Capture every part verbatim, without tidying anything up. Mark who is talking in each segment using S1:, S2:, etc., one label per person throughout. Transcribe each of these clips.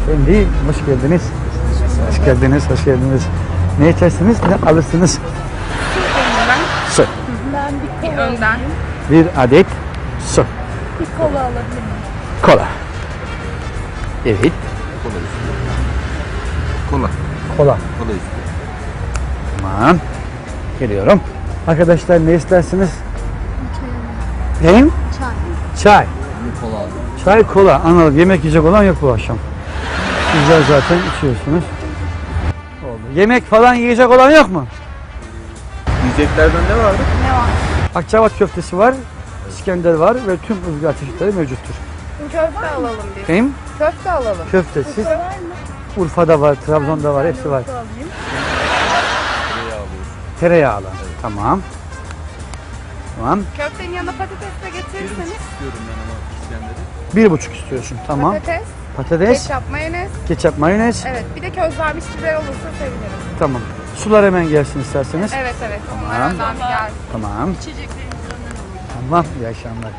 S1: Efendim, hoş geldiniz. Hoş geldiniz, hoş geldiniz. Ne içersiniz, ne alırsınız?
S2: Ben.
S1: Su.
S3: Ben bir
S2: Bir
S3: kola,
S2: önden.
S1: Bir adet su.
S3: bir kola alabilir miyim?
S1: Kola. Evet.
S4: Kola istiyor. Kola.
S1: Kola.
S4: Kola istiyor.
S1: Tamam. Geliyorum. Arkadaşlar ne istersiniz? Neyim?
S3: Çay.
S1: Çay.
S4: Kola aldım.
S1: Çay, kola. Anladım. Yemek yiyecek olan yok bu akşam. Güzel zaten içiyorsunuz. Oldu. Yemek falan yiyecek olan yok mu?
S4: Yiyeceklerden ne vardı?
S2: Ne var?
S1: Akçabat köftesi var, İskender var ve tüm ızgara çeşitleri mevcuttur.
S2: Köfte alalım biz.
S1: Neyim?
S2: Köfte alalım.
S1: Köftesiz. Urfa'da var, Trabzon'da var, hepsi var.
S4: Tereyağı alıyorsun.
S1: Tereyağlı. Tamam. Tamam.
S2: Köftenin yanına patates de getirirseniz.
S4: İstiyorum ben ama İskender'i.
S1: Bir buçuk istiyorsun. Tamam.
S2: Patates,
S1: Patates,
S2: ketçap, mayonez.
S1: ketçap, mayonez.
S2: Evet, bir de közlenmiş biber olursa sevinirim.
S1: Tamam. Sular hemen gelsin isterseniz.
S2: Evet evet, onlar
S1: Tamam.
S2: önden bir gelsin.
S1: Tamam. Tamam. İyi akşamlar.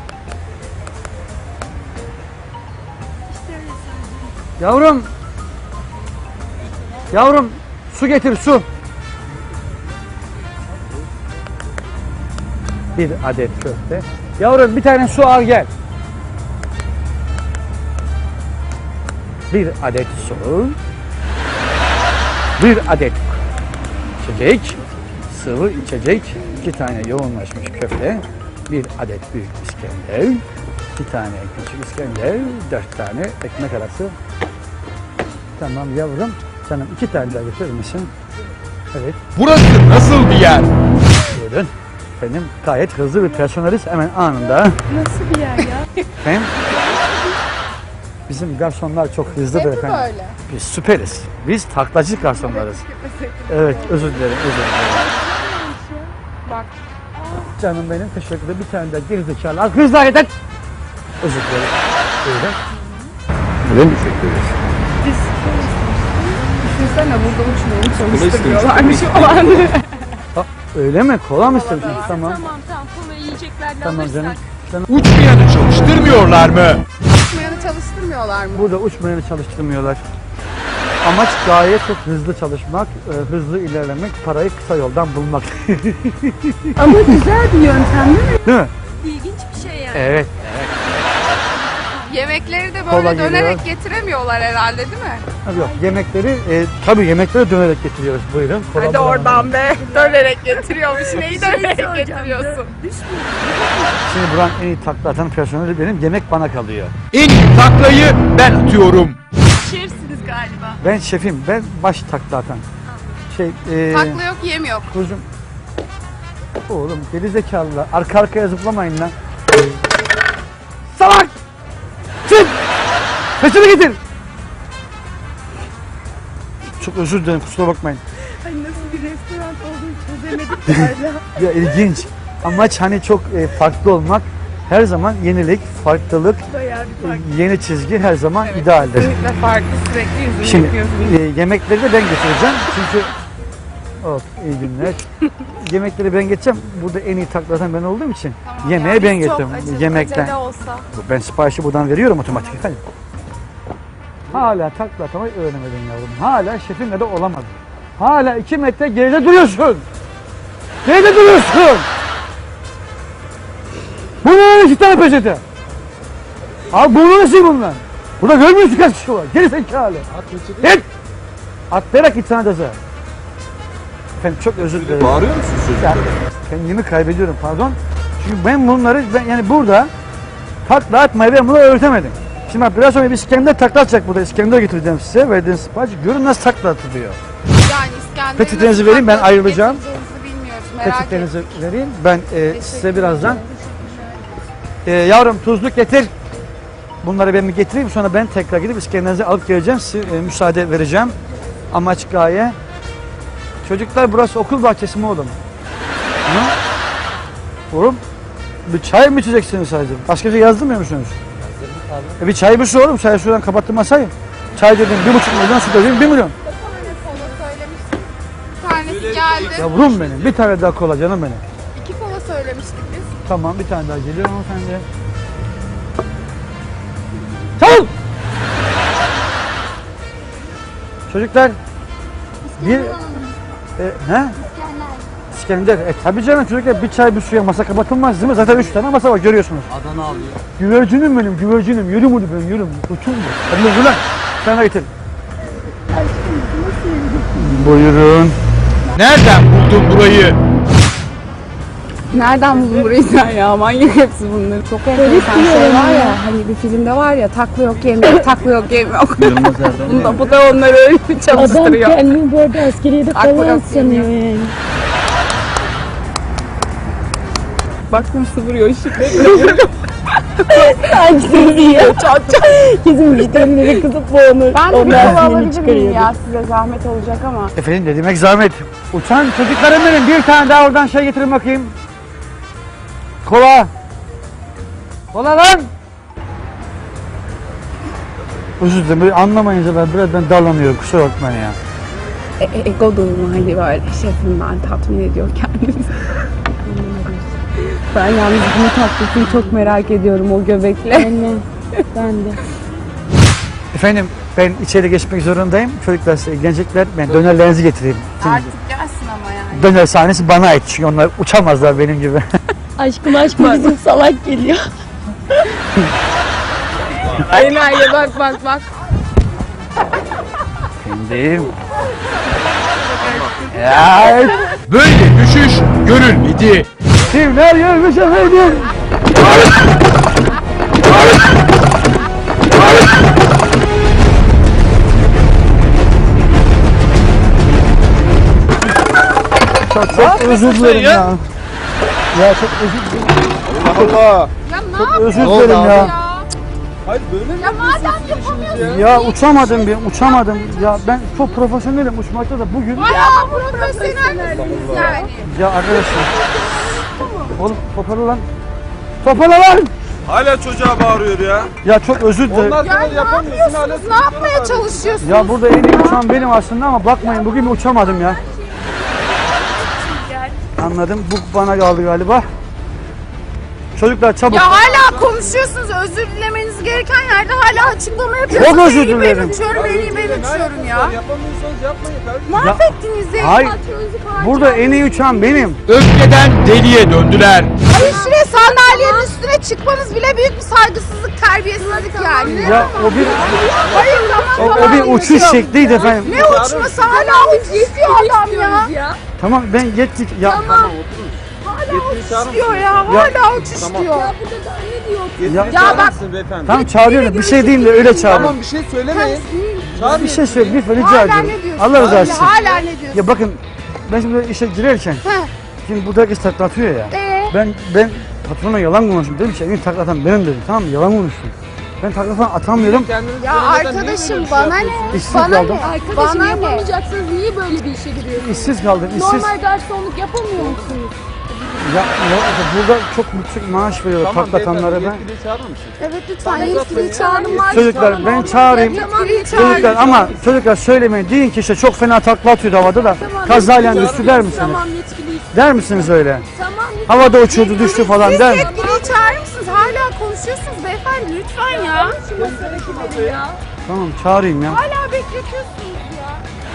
S1: Yavrum. Yavrum, su getir, su. Bir adet köfte. Yavrum bir tane su al gel. Bir adet su. Bir adet içecek. Sıvı içecek. İki tane yoğunlaşmış köfte. Bir adet büyük İskender. Bir tane küçük İskender. Dört tane ekmek arası. Tamam yavrum. Canım iki tane daha getirir misin? Evet.
S5: Burası nasıl bir yer?
S1: Buyurun. Efendim gayet hızlı bir personeliz hemen anında.
S3: Nasıl bir yer ya?
S1: Efendim? Bizim garsonlar çok hızlıdır
S2: Hep mi
S1: efendim.
S2: böyle?
S1: Biz süperiz. Biz taklacı garsonlarız. Evet özür dilerim özür dilerim.
S2: Bak.
S1: Canım benim teşekkür ederim. Bir tane daha gerizekalı. Az hızlı hareket et. Özür dilerim. Buyurun. Buyurun.
S4: Teşekkür ederiz.
S2: Biz düşünsene burada uçmayı
S4: Kola
S2: çalıştırmıyorlarmış falan.
S1: Ha, öyle mi? Kola mı istemişsiniz? Tamam.
S3: Tamam tamam kola yiyeceklerden
S1: Tamam
S3: alırsak.
S1: canım. Canım.
S5: Uçmayanı çalıştırmıyorlar mı?
S2: Uçmayanı çalıştırmıyorlar mı?
S1: Burada uçmayanı çalıştırmıyorlar. Amaç gayet çok hızlı çalışmak, e, hızlı ilerlemek, parayı kısa yoldan bulmak.
S3: Ama güzel bir yöntem değil mi?
S1: Değil mi?
S3: İlginç bir şey yani.
S1: Evet.
S2: Yemekleri de
S1: Kola
S2: böyle
S1: geliyor.
S2: dönerek getiremiyorlar herhalde değil mi?
S1: Yok yemekleri, e, tabii yemekleri dönerek getiriyoruz. Buyurun. Kola
S2: Hadi
S1: bulalım.
S2: oradan be. Dönerek getiriyormuş. Neyi dönerek
S3: soracağım.
S2: getiriyorsun?
S1: Şimdi buranın en iyi takla atan personeli benim. Yemek bana kalıyor.
S5: En iyi taklayı ben atıyorum.
S3: Şefsiniz galiba.
S1: Ben şefim. Ben baş takla atan. Şey, e,
S2: Takla yok, yem yok.
S1: Kuzum. Oğlum gerizekalılar. Arka arkaya zıplamayın lan. Salak! Çık! Peşini getir! Çok özür dilerim kusura bakmayın.
S3: Ay nasıl bir restoran olduğunu çözemedik hala.
S1: Ya ilginç. Amaç hani çok e, farklı olmak. Her zaman yenilik, farklılık,
S3: Bayağı bir fark.
S1: e, yeni çizgi her zaman idealdir.
S2: Kesinlikle farklı, sürekli yüzünü
S1: Şimdi
S2: yapıyorsun.
S1: e, yemekleri de ben getireceğim. Çünkü of iyi günler. Yemekleri ben geçeceğim. Burada en iyi taklatan ben olduğum için
S2: Tamam
S1: yemeği
S2: ya,
S1: ben
S2: biz çok
S1: getiriyorum.
S2: acele-
S1: Yemekten.
S2: acele olsa.
S1: Ben siparişi buradan veriyorum otomatik efendim. Hala takla atmayı öğrenemedin yavrum. Hala şefinle de olamadın. Hala iki metre geride duruyorsun. Geride duruyorsun. Bunların iki tane peçete. Abi bunu nasıl bunlar? Burada görmüyor musun kaç kişi var? Geri zekalı. Git. Atlayarak git sana ceza. Efendim çok özür dilerim.
S4: Bağırıyor musun
S1: Ya,
S4: çocuklara?
S1: kendimi kaybediyorum pardon. Çünkü ben bunları ben yani burada takla atmayı ben bunları öğretemedim. Şimdi bak biraz sonra bir İskender takla atacak burada. İskender getireceğim size. Verdiğiniz sipariş. Görün nasıl takla atılıyor.
S2: Yani İskender'in
S1: Peçetenizi
S2: nasıl
S1: vereyim, ben
S2: takla
S1: ayrılacağım.
S2: getireceğinizi bilmiyoruz. Merak
S1: Peçetenizi
S2: ettik.
S1: vereyim. Ben e, size birazdan. E, yavrum tuzluk getir. Bunları ben bir getireyim. Sonra ben tekrar gidip İskender'inizi alıp geleceğim. Size e, müsaade vereceğim. Amaç gaye. Çocuklar burası okul bahçesi mi oğlum? Hı? Oğlum bir çay mı içeceksiniz sadece? Başka bir şey yazdırmıyor musunuz? E bir çay bir su oğlum. Çay sudan kapattım masayı. Çay dedim bir buçuk milyon, su dedim bir milyon.
S2: Kola söylemiştik. Bir tanesi geldi.
S1: Yavrum benim. Bir tane daha kola canım benim.
S2: İki kola söylemiştik biz.
S1: Tamam bir tane daha geliyor hanımefendi. Çabuk! Çocuklar bir e, he? İskender. E tabii canım çocuklar bir çay bir suya masa kapatılmaz değil mi? Zaten üç tane masa var görüyorsunuz.
S4: Adana alıyor.
S1: Güvercinim benim güvercinim. Yürüm onu ben yürüm. Uçum bu. Hadi yürü lan. Sen de getir. Buyurun.
S5: Nereden buldun burayı?
S2: Nereden buldun burayı sen ya? Manyak hepsi bunları. Çok enteresan şey var ya. Hani bir filmde var ya takla yok yem yok, takla yok yem yok.
S4: Yılmaz Erdoğan.
S2: Bunda bu da onları öyle bir
S3: Adam
S2: çalıştırıyor.
S3: kendini bu arada askeriyede
S2: Aklı
S3: falan
S2: yok
S3: sanıyor yani.
S2: Baktım sıvırıyor ışıkları.
S3: Hangisi diyor? Kesin müşterileri kızıp boğulur.
S2: Ben de bir
S3: Onlar
S2: kola
S3: siniri
S2: alabilir miyim
S3: çıkarıyordu.
S2: ya? Size zahmet olacak ama.
S1: Efendim ne demek zahmet. Uçan çocuklarım benim. Bir tane daha oradan şey getirin bakayım. Kola. Kola lan. Özür dilerim. Böyle anlamayınca ben biraz ben darlanıyorum. Kusura bakmayın ya.
S2: E, e, ego durumu hani böyle şefim ben tatmin ediyor kendini. Ben yalnız bunu tatlısını çok merak ediyorum o göbekle.
S3: Ben de. Ben de.
S1: Efendim ben içeri geçmek zorundayım. Çocuklar size ilgilenecekler. Ben dönerlerinizi getireyim. Şimdi
S2: Artık gelsin ama yani.
S1: döner sahnesi bana ait. Çünkü onlar uçamazlar benim gibi.
S3: Aşkım aşkım bizim salak geliyor.
S2: Aynen ya bak bak bak.
S1: Kendim. Ya
S5: Böyle düşüş görülmedi.
S1: kimler görmüş efendim? Çok, çok özür dilerim ya. Ya çok özür dilerim.
S4: Allah.
S2: Ya ne
S1: Çok
S2: yapıyorsun
S1: özür
S4: oldu
S1: dilerim
S4: abi?
S1: ya.
S2: ya?
S4: Hayır böyle mi?
S2: Ya madem yapamıyorsun.
S1: Ya uçamadım bir, uçamadım. Ya ben çok profesyonelim uçmakta da bugün.
S2: Bayağı profesyonelsiniz yani.
S1: Ya arkadaşlar. Oğlum toparla lan. Toparla lan.
S4: Hala çocuğa bağırıyor ya.
S1: Ya çok özür dilerim.
S4: Onlar
S2: Ya
S4: kadar
S2: ne
S4: yapamıyorsun hala.
S2: yapıyorsunuz? Ne yapmaya çalışıyorsunuz?
S1: Ya burada en iyi uçan benim aslında ama bakmayın bugün bir uçamadım ya. Anladım. Bu bana kaldı galiba. Çocuklar çabuk.
S2: Ya hala konuşuyorsunuz. Özür dilemeniz gereken yerde hala açıklama yapıyorsunuz.
S1: Çok özür
S2: En iyi
S1: dilerim.
S2: Ben uçuyorum, en iyi ben uçuyorum ya.
S4: Yapamıyorsanız yapmayın kardeşim.
S2: Mahvettiniz ya.
S1: Hayır.
S2: Patronunuzu falan
S1: Burada en iyi uçan benim.
S5: Öfkeden deliye döndüler.
S2: Hayır şuraya sandalyenin üstüne çıkmanız bile büyük bir saygısızlık, terbiyesizlik yani.
S1: Ya o bir
S2: Hayır
S1: o,
S2: tamam
S1: o
S2: tamam.
S1: bir uçuş şekliydi efendim.
S2: Ne uçması hala uç istiyor adam ya.
S1: Tamam ben yettik. Ya
S2: Hala uç istiyor ya. Hala uç istiyor.
S1: Ya-
S2: Ya bak
S4: beyefendi.
S1: tamam çağırıyorum. Bir şey değil de öyle çağırın.
S4: Tamam bir şey söylemeyin.
S1: Bir şey söyle lütfen rica
S2: hala
S1: ediyorum.
S2: ne diyorsun?
S1: Allah rızası için.
S2: Hala ne diyorsun?
S1: Ya bakın ben şimdi işe girerken
S2: Heh.
S1: şimdi burada herkes takla atıyor ya.
S2: Ee?
S1: Ben ben patrona yalan konuştum. Dedim ki en iyi takla atan benim dedim. Tamam mı? Yalan konuştum. Ben takla falan atamıyorum.
S2: Ya arkadaşım bana ne?
S1: İşsiz
S2: Bana
S1: kaldım.
S2: ne?
S3: Arkadaşım
S2: Bana ne?
S3: yapamayacaksınız. Niye böyle bir işe giriyorsunuz?
S1: İşsiz kaldım. İşsiz.
S3: Normal garsonluk yapamıyor musunuz?
S1: Ya, ya burada çok yüksek maaş veriyorlar takla atanlara ben.
S4: Yetkili çağırır mısın?
S2: Evet lütfen
S4: Tamam,
S2: yetkili
S4: zaten-
S2: çağırın var.
S1: Çocuklar ben çağırayım.
S2: Yetkili
S1: Çocuklar
S2: çağırın.
S1: ama çocuklar söylemeyin. Deyin ki işte çok fena takla atıyordu havada da kazayla düştü der misiniz?
S3: Tamam yetkiliyiz.
S1: Der misiniz öyle?
S3: Tamam
S1: Havada uçuyordu düştü falan
S2: Siz
S1: der mi?
S2: yetkiliyi çağırır mısınız? Hala konuşuyorsunuz beyefendi lütfen ya.
S3: ya.
S1: Tamam çağırayım ya.
S2: Hala bekletiyorsunuz ya.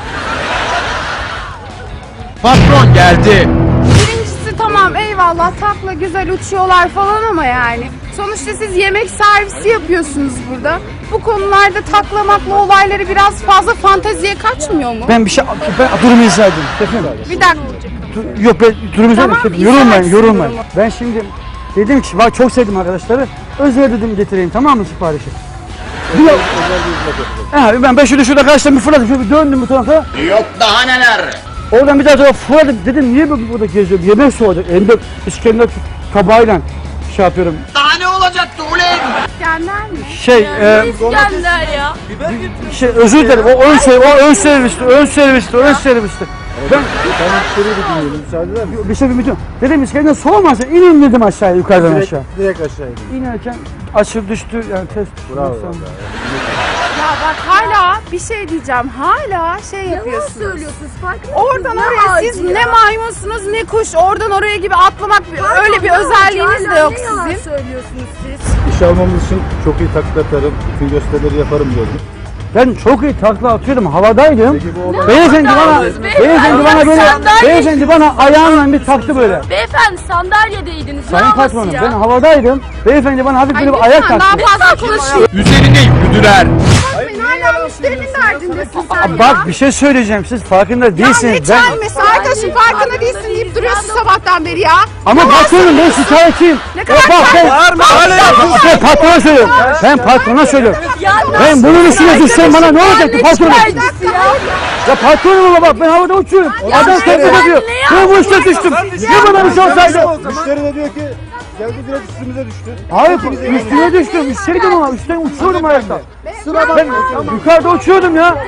S5: Patron geldi.
S2: Birincisi tamam eyvallah takla güzel uçuyorlar falan ama yani. Sonuçta siz yemek servisi yapıyorsunuz burada. Bu konularda taklamakla olayları biraz fazla fanteziye kaçmıyor mu?
S1: Ben bir şey ben durumu izah edeyim. Efendim?
S2: Bir dakika.
S1: Dur- Yok ben durumu izah
S2: Tamam,
S1: edeyim.
S2: izah
S1: Yorulmayın
S2: etsin
S1: yorulmayın.
S2: durumu.
S1: Ben şimdi dedim ki bak çok sevdim arkadaşları. Özel dedim getireyim tamam mı siparişi? Bir He, ben ben şurada şurada kaçtım bir fırladım şöyle bir döndüm bu tarafa.
S6: Yok daha neler.
S1: Oradan bir daha sonra fırladım dedim niye bu- burada geziyorum yemek soğudu. Elimde İskender tabağıyla şey yapıyorum.
S6: Daha ne olacaktı ulan?
S2: İskender mi?
S1: Şey e,
S3: İskender ya.
S4: Biber getir.
S1: şey özür dilerim o ön servis o ön servisti ön servisti ön servisti. Ben
S4: Tamam şöyle bir dinleyelim müsaade eder misin?
S1: bir şey bilmiyorum. Dedim İskender soğumasın inin dedim aşağıya yukarıdan
S4: Direkt,
S1: aşağı.
S4: direkt aşağı in.
S1: İnerken açıl düştü yani test.
S4: Bravo.
S1: Sonra-
S2: Ya bak hala bir şey diyeceğim. Hala şey
S3: Yalan
S2: yapıyorsunuz.
S3: söylüyorsunuz. Farkında
S2: Oradan
S3: mısınız?
S2: oraya
S3: Ne
S2: siz
S3: ağacı
S2: ne
S3: ya?
S2: maymunsunuz ne kuş. Oradan oraya gibi atlamak bir-
S3: Pardon,
S2: öyle bir
S3: ne ağacı?
S2: özelliğiniz de
S3: Hala
S2: yok
S3: ne yalan
S2: sizin.
S3: söylüyorsunuz siz?
S4: İş almamız için çok iyi taklit atarım, bütün gösterileri yaparım diyordum.
S1: Ben çok iyi takla atıyordum. Havadaydım. Beyefendi bana,
S7: havadayız beyefendi?
S1: beyefendi bana böyle,
S7: Sandalye-
S1: beyefendi bana ayağımla bir taktı böyle.
S7: Beyefendi sandalyedeydiniz. Ne
S1: Sayın
S7: havası
S1: patronum
S7: ya?
S1: ben havadaydım. Beyefendi bana hafif böyle bir ayak
S2: lütfen
S1: taktı.
S2: daha fazla konuşuyor.
S5: Üzerine yürüdüler.
S2: Bakmayın hala müşterinin derdindesin sen ya.
S1: Bak bir şey söyleyeceğim. Siz farkında
S2: Ya ne
S1: değilsiniz. Ben,
S2: çelmesi arkadaşım farkında değilsin deyip duruyorsun sabahtan beri ya.
S1: ama patronum ben şikayetçiyim.
S2: Ne
S1: Ya
S2: kadar
S1: bak ben,
S4: Bağırma hala yapıyorsun.
S1: ben patrona söylüyorum. Ben patrona söylüyorum.
S7: Ya
S1: Ben bunun üstüne düşsem bana ne olacaktı patronum?
S7: şikayetçisi ya?
S1: Ya patronum ama bak ben havada uçuyorum. Adam tebrik ediyor. Ben bu üstüne düştüm. Ne bana bir şey olsaydı?
S4: Müşteri de diyor ki geldi direkt üstümüze düştü.
S1: Hayır üstüne düştüm. Üsteydim ama üstten uçuyordum ayakta. Ben yukarıda uçuyordum ya.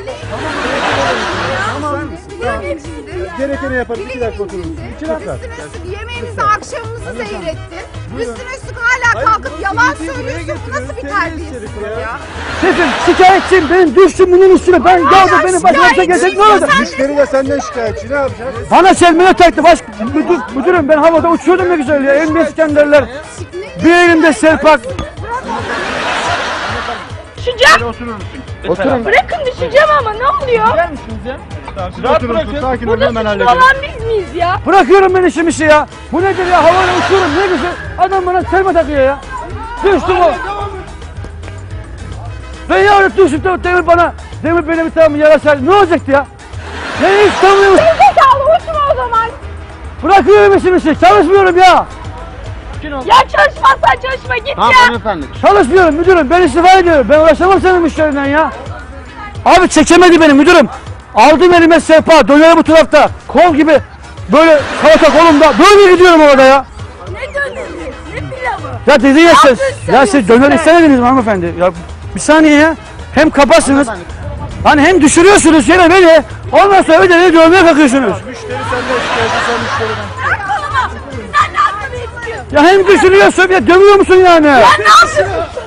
S4: Gerekeni yaparız. iki dakika otururuz. İki dakika.
S2: Üstüne üstlük yemeğimizi akşamımızı seyrettin. Üstüne üstlük hala kalkıp yalan söylüyorsun. Bu nasıl bir terbiyesizlik ya?
S1: Şefim şikayetçiyim. Ben düştüm bunun üstüne. Ben geldim benim başıma gelecek ne oldu?
S4: Müşteri de senden şikayetçi. Ne yapacağız?
S1: Bana çelmeye taktı. Baş, müdür, müdürüm ben havada uçuyordum ne güzel ya. Elimde İskenderler. Bir elimde serpak.
S7: Düşeceğim.
S1: Oturun.
S7: Bırakın düşeceğim ama ne oluyor?
S4: Siz oturun. Sakin olun
S7: Burada
S4: hemen
S7: suçlu
S4: halledelim.
S7: olan biz miyiz ya?
S1: Bırakıyorum ben işim işi ya. Bu nedir ya? Havada uçuyorum ne güzel. Adam bana serme takıyor ya. Düştüm o. Ben yarın düşüp de demir bana, demir beni bir tane yarasaydı ne olacaktı ya? Ne istemiyorum.
S7: Zekalı uçma o zaman.
S1: Bırakıyorum işim işi. Çalışmıyorum ya.
S7: Ya çalışmazsan çalışma git ya.
S4: Hanımefendi.
S1: Çalışmıyorum müdürüm. Ben istifa ediyorum. Ben uğraşamam senin müşterinden ya. Abi çekemedi beni müdürüm. Aldım elime sehpa. Döneri bu tarafta. Kol gibi. Böyle salata kolumda. Böyle gidiyorum orada ya.
S7: Ne dönemi? Ne pilavı?
S1: Ya dedi ya siz.
S7: yaptın
S1: Ya
S7: sen
S1: siz
S7: yoksa
S1: döner
S7: be?
S1: istemediniz mi hanımefendi? Ya bir saniye ya. Hem kapasınız. Hani hem düşürüyorsunuz yine beni. Ondan sonra bir de beni dövmeye kalkıyorsunuz.
S4: Müşteri senden şikayetçi, sen müşteriden.
S7: Bırak kolumu. Sen ne yaptığını istiyorsun?
S1: Ya hem düşürüyorsun bir de dövüyor musun yani?
S7: Sen ne yapıyorsun?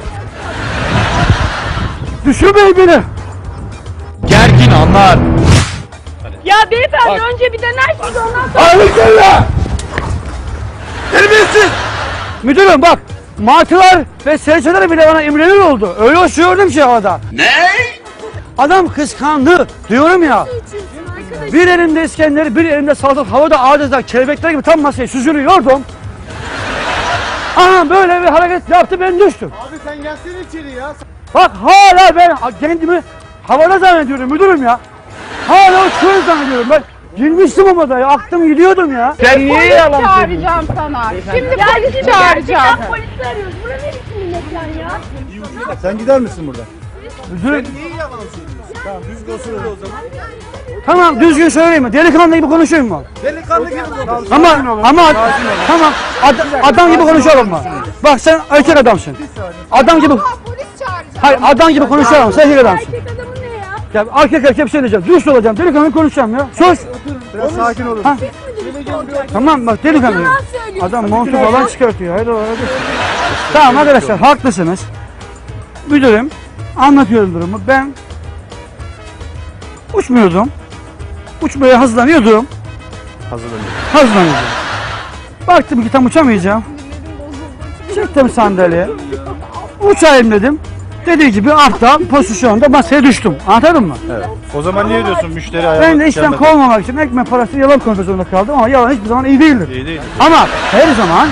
S1: Düşürmeyin beni.
S5: Gergin anlar.
S7: Ya beyefendi önce bir denersiniz ondan sonra.
S1: Harikayla! Terbiyesiz! Müdürüm bak, martılar ve serçeler bile bana imrenir oldu. Öyle uçuyordum ki havada.
S6: Ne?
S1: Adam kıskandı diyorum ya. Bir elimde İskender, bir elimde salatalık havada adeta kelebekler gibi tam masaya süzülüyordum. Aha böyle bir hareket yaptı ben düştüm.
S4: Abi sen gelsene içeri ya.
S1: Bak hala ben kendimi havada zannediyorum müdürüm ya. Hala uçuyor zannediyorum ben. Girmiştim o odaya, aklım gidiyordum ya. Sen niye
S2: Polis
S1: yalan söylüyorsun?
S2: çağıracağım sana. Şimdi
S7: Ya
S2: polis
S7: şimdi
S2: çağıracağım.
S7: gerçekten polisi arıyoruz. Bura ne biçim bir mekan ya?
S4: Sen gider misin buradan?
S1: Müdürüm,
S4: Tamam düzgün oturun o zaman.
S1: tamam düzgün söyleyeyim mi? Delikanlı gibi konuşayım mı?
S4: Delikanlı gibi konuş.
S1: Ama ama tamam ad- adam gibi konuşalım mı? Bak sen erkek adamsın. Adam gibi
S2: Allah polis çağıracağım.
S1: hayır adam gibi konuşalım. Sen erkek adamsın.
S7: Erkek adamı ne ya?
S1: Ya erkek erkek bir şey diyeceğim. Dürüst olacağım. Delikanlı gibi konuşacağım ya. Sus.
S4: Biraz sakin olun.
S1: Ha. Tamam bak delikanlı.
S7: Yalan söylüyorsun.
S1: Adam montu falan çıkartıyor. Haydi hadi. Tamam arkadaşlar haklısınız. Müdürüm anlatıyorum durumu. Ben uçmuyordum. Uçmaya hazırlanıyordum.
S4: Hazırlanın.
S1: Hazırlanıyordum. Baktım ki tam uçamayacağım. Çektim sandalye. Uçayım dedim. Dediği gibi aptal pozisyonda masaya düştüm. Anladın mı?
S4: Evet. O zaman niye diyorsun müşteri ayağına
S1: Ben de işten kovmamak için ekmek parası yalan konuşmak zorunda kaldım ama yalan hiçbir zaman iyi değildir.
S4: İyi değil.
S1: Ama her zaman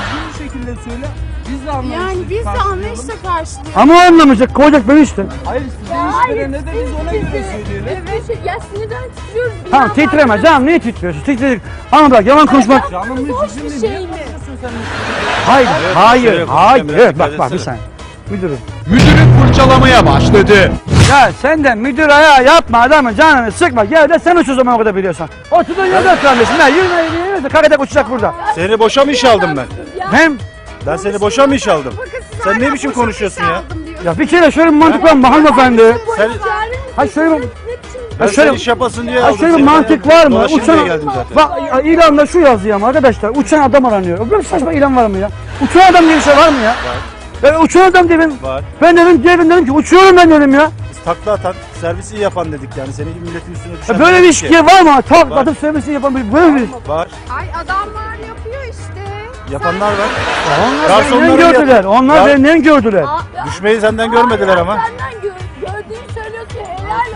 S2: Yani biz de anlayışla karşılıyoruz.
S1: ama o anlamayacak, kovacak beni işte.
S7: Hayır siz ona göre söyleyelim. Evet ya sinirden titriyoruz. Bir
S1: Tamam
S7: yandan
S1: titreme
S7: da-
S1: canım niye titriyorsun? Titredik. Ama bak yalan konuşmak.
S7: Boş bir şey mi?
S1: Hayır, hayır,
S4: evet,
S1: hayır.
S4: biraz
S1: Evet,
S4: dikkat
S1: bak bak bir
S4: etsene.
S1: saniye. Müdürüm.
S5: Müdürü fırçalamaya başladı.
S1: Ya sen de müdür ayağı yapma adamın canını sıkma. Gel de sen uç o zaman o kadar biliyorsan. Oturduğun yerde otur kardeşim. Ben yürüme yürüme kakadek uçacak burada.
S4: Seni boşa mı iş aldım ben?
S1: Hem
S4: Ben seni boşa mı iş aldım? Sen ne biçim konuşuyorsun ya?
S1: ya bir kere şöyle bir mantık var mı hanımefendi?
S4: Sen
S1: Ha şöyle bir-
S4: ben
S1: şöyle-
S4: sen iş yapasın diye
S1: Ha
S4: aldım
S1: şöyle bir
S4: seni.
S1: mantık var mı?
S4: Dolaşayım
S1: Uçan
S4: diye geldim zaten.
S1: bak ilanda şu yazıyor ama arkadaşlar uçan adam aranıyor. Böyle saçma ilan var mı ya? Uçan adam diye bir şey var mı ya? Ben uçan adam dedim.
S4: Var.
S1: Ben dedim dedim dedim ki uçuyorum ben dedim ya.
S4: Biz takla atan, servisi iyi yapan dedik yani. Senin gibi milletin üstüne düşen.
S1: Ya böyle bir
S4: dedik ki.
S1: ilişki var mı? Tak
S4: Var.
S1: atıp sevmesini yapan bir böyle bir.
S4: Var.
S2: Ay adamlar yapıyor işte.
S4: Yapanlar var.
S1: Onlar
S4: Garsonları
S1: benden gördüler.
S4: yap-
S1: Onlar
S4: Gar-
S1: benden gördüler.
S7: Aa,
S4: Düşmeyi senden görmediler ama.
S7: Senden gör, gördüğünü söylüyorsun helal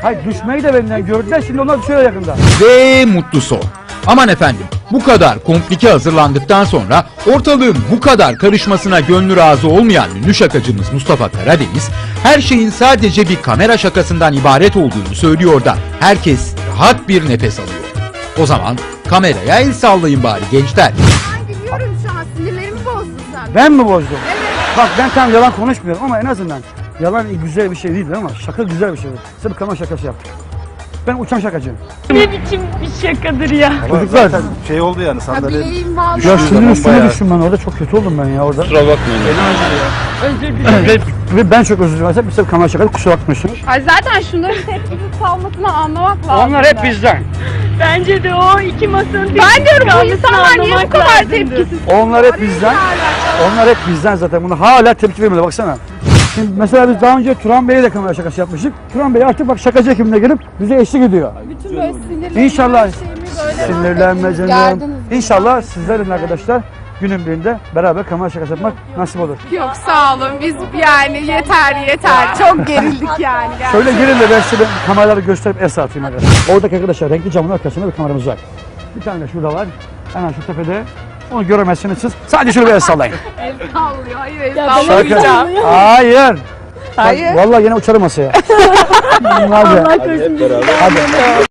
S1: Hayır düşmeyi de benden gördüler. Şimdi onlar düşüyor yakında.
S5: Ve mutlu son. Aman efendim, bu kadar komplike hazırlandıktan sonra ortalığın bu kadar karışmasına gönlü razı olmayan ünlü şakacımız Mustafa Karadeniz, her şeyin sadece bir kamera şakasından ibaret olduğunu söylüyor da herkes rahat bir nefes alıyor. O zaman kameraya el sallayın bari gençler.
S2: Ben gülüyorum şu an. Sinirlerimi bozdun sen.
S1: Ben mi bozdum? Bak ben tam yalan konuşmuyorum ama en azından yalan güzel bir şey değildir ama şaka güzel bir şeydir. Size bir kamera şakası yaptık. Ben uçan şakacıyım.
S3: Ne biçim bir şakadır ya.
S1: Çocuklar.
S4: Şey oldu yani
S2: Ha
S4: sandalye.
S2: bileğim vallahi.
S1: Ya
S4: Düştüğü
S1: sinir
S4: zaman
S1: üstüne
S4: bayağı-
S1: düştüm ben orada. Çok kötü oldum ben ya orada.
S4: Kusura bakmayın.
S3: Özür dilerim.
S1: Ve, ve ben çok özür dilerim. Size bir kamera şakası kusura bakmıyorsunuz.
S2: Ay zaten şunların tepkisiz kalmasını anlamak lazım.
S1: Onlar hep bizden.
S3: Bence de o iki masanın
S2: Ben diyorum bu
S3: kalmasını
S2: insanlar niye bu
S3: anlamak
S2: kadar
S3: lazımdı.
S2: tepkisiz?
S1: Onlar hep bizden. Onlar hep bizden zaten. Bunu hala tepki vermiyorlar baksana. Şimdi mesela biz daha önce Turan Bey'e de kamera şakası yapmıştık. Turan Bey artık bak şakacı ekibine gelip bize eşlik ediyor.
S2: Bütün böyle sinirlerimi,
S1: İnşallah.
S2: her şeyimi böyle
S1: Sinirlenme canım.
S2: Gerdiniz.
S1: İnşallah sizlerin arkadaşlar günün birinde beraber kamera şakası yapmak nasip olur.
S2: Yok sağ olun biz yani yeter yeter çok gerildik yani.
S1: Şöyle girin de ben size ben kameraları gösterip es atayım arkadaşlar. Oradaki arkadaşlar renkli camın arkasında bir kameramız var. Bir tane de şurada var. Hemen şu tepede. Onu göremezsiniz siz. Sadece şöyle bir el sallayın.
S2: El sallıyor hayır el
S3: ben
S2: sallamayacağım.
S1: Hayır.
S2: Hayır.
S1: Vallahi yine uçarım masaya. Hadi.
S3: Allah korusun.
S1: Hadi.